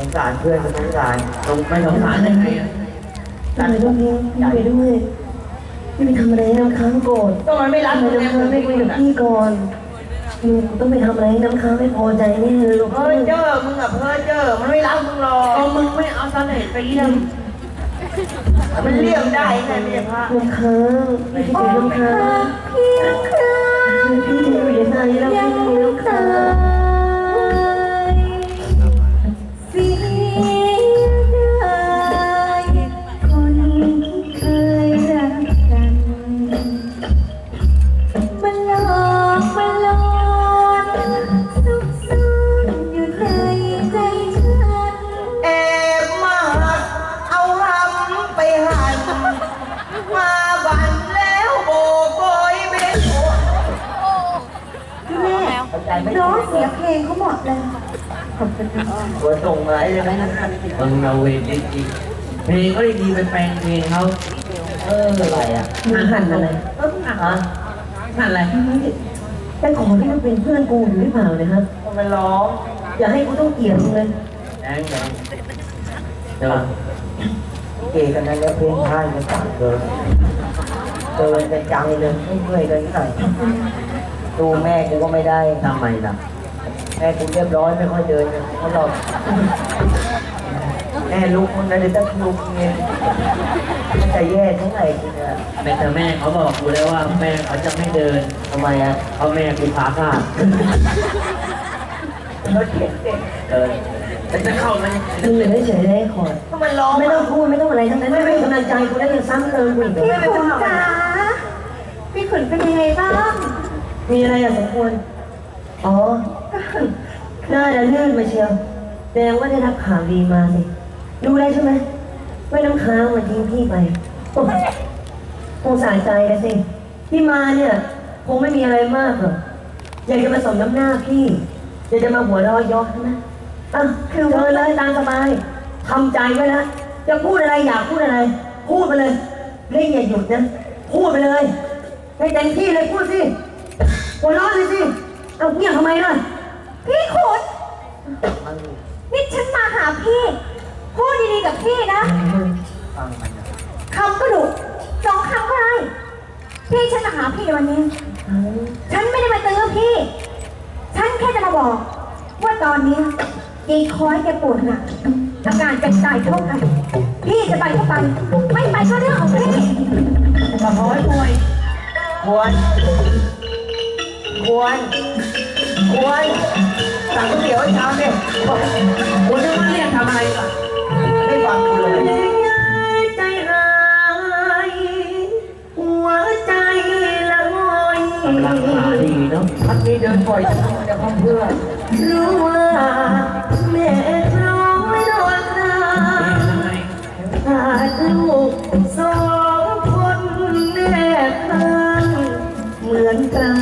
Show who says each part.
Speaker 1: งสารเพื่อนสงสารไม่สงสารยังไงอ่ะ
Speaker 2: พี่ไปด้วยพี่ไปด้วยพี่ไปทำอะไรให้น้ำค้างโกรธ
Speaker 1: ก็มันไม่รัก
Speaker 2: ทำไม
Speaker 1: มึง
Speaker 2: น้ำค้างไม่คุยกับพี่ก่อนมึงต้องไปทำอะไรให้น้ำค้างไม่พอใจแน่เลยลูก
Speaker 1: เพ้อเจ้อมึงอะเพ้อเจ้อมันไม่รักมึงหรอกเอามึงไม่เอาเสน่ห์ไปเลี่ยมมันเลี่ยมได้ไงไม่ใช่พระ
Speaker 2: น้ำค้างพี่คิดถึงน้ำค้างพี่ค้างพี่จะอยู่ยังไงแล้วพี่น้ำค้าง
Speaker 3: เสียดายคนที่เคยรักกันมันหลอกมันหลอนซุกซ่อนอยู่ในใจฉัน
Speaker 1: แอบมาหักเอาหำไปหั่นมาบันแล้วโบกโบยเบ็ด
Speaker 3: พี่แม่น้องเสียเพลงเขาหมดเลย
Speaker 1: หัวส่งมาเลยนะมึงเอาเวรจริงๆเพลงก็ดีๆไปแปลงเพลงเขาอะไรอ่ะ
Speaker 2: มึงหันอะไร
Speaker 1: ฮะนั่นอะไร
Speaker 2: แต่ขอที่มันเป็นเพื่อนกูอยู่หรือเปล่าเนี่ยครับ
Speaker 1: มันร้อง
Speaker 2: อย่าให้กูต้องเกลียดมึงเลย
Speaker 1: แดงแดงเดี๋ยวเกย์กันนั้นแล้วเพลงไทยมันต่างเกินเป็นจังเลยไม่เมื่อยเลยนิดหน่อยดูแม่กูก็ไม่ได้ทำไมล่ะแม่กูเรียบร้อยไม่ค่อยเดินเขาหรอกแม่ลุกมันนะเดี๋ยวจะลุกเงี้ยมันจะแย่ทั้งไหนกูเนี่ยแต่แม่เขาบอกกูแล้วว่าแม่เขาจะไม่เดินทำไมอ่ะเพราะแม่กูขาขาดรถเข็นเด็กแต่จะเข้าไหม
Speaker 2: มึงเหลือเฉยๆได้ขอด
Speaker 1: ก็มันร้อง
Speaker 2: ไม่ต้องพูดไม่ต้องอะไรทั้งนั้นไม่เป็นกำลังใจกูได้ยังซ้ำเติมกูอีกเหรอ
Speaker 3: พี่ขุนจ๋าพี่ขุนเป็นยังไงบ้าง
Speaker 2: มีอะไรอ่ะสมควรอ๋อน่าจะลื่นมาเชียวแสดงว่าได้รับข่าวดีมาสิรู้ได้ใช่ไหมว่าน้ำค้างมันทิ้งพี่ไปโอ้คงสายใจกันสิที่มาเนี่ยคงไม่มีอะไรมากหรอกอยากจะมาสมน้ำหน้าพี่อยากจะมาหัวเราะเยาะใช่ไหมอ่ะเชิญเลยตามสบายทำใจไว้นะจะพูดอะไรอยากพูดอะไร พูดไปเลยเร่งอย่าหยุดนะพูดไปเลยให้เต็มที่เลยพูดสิหัวเราะเลยสิเอาเงียบทำไมล่ะ
Speaker 3: พี่ขุนนี่ฉันมาหาพี่พูดดีๆกับพี่นะ
Speaker 1: ฟังมันนะ
Speaker 3: คำก็ดุสองคำก็ได้พี่ฉันมาหาพี่ในวันนี้ ฉันไม่ได้มาเตือนพี่ ฉันแค่จะมาบอก ว่าตอนนี้ยีคอยแกปวดหนักอาการจะตายเท่ากัน พี่จะไปก็ไป ไม่ไปก็เรื่องของพี่
Speaker 1: มาขอให้ป่วยควรสั่งก๋วยเตี๋ยวให้ชามเนี่ยคุณจะมาเรียกทำอะไรล่ะไม่ฟังกูเลย
Speaker 2: ใจหายหัวใจละงอย
Speaker 1: กำลังมาดีเนาะพักนี้เดินปล่อยจะพักเพื่อน
Speaker 2: รู้ว่าแม่ร้องไม่โดนใครขาดลูกสองคนแนบข้างเหมือนกัน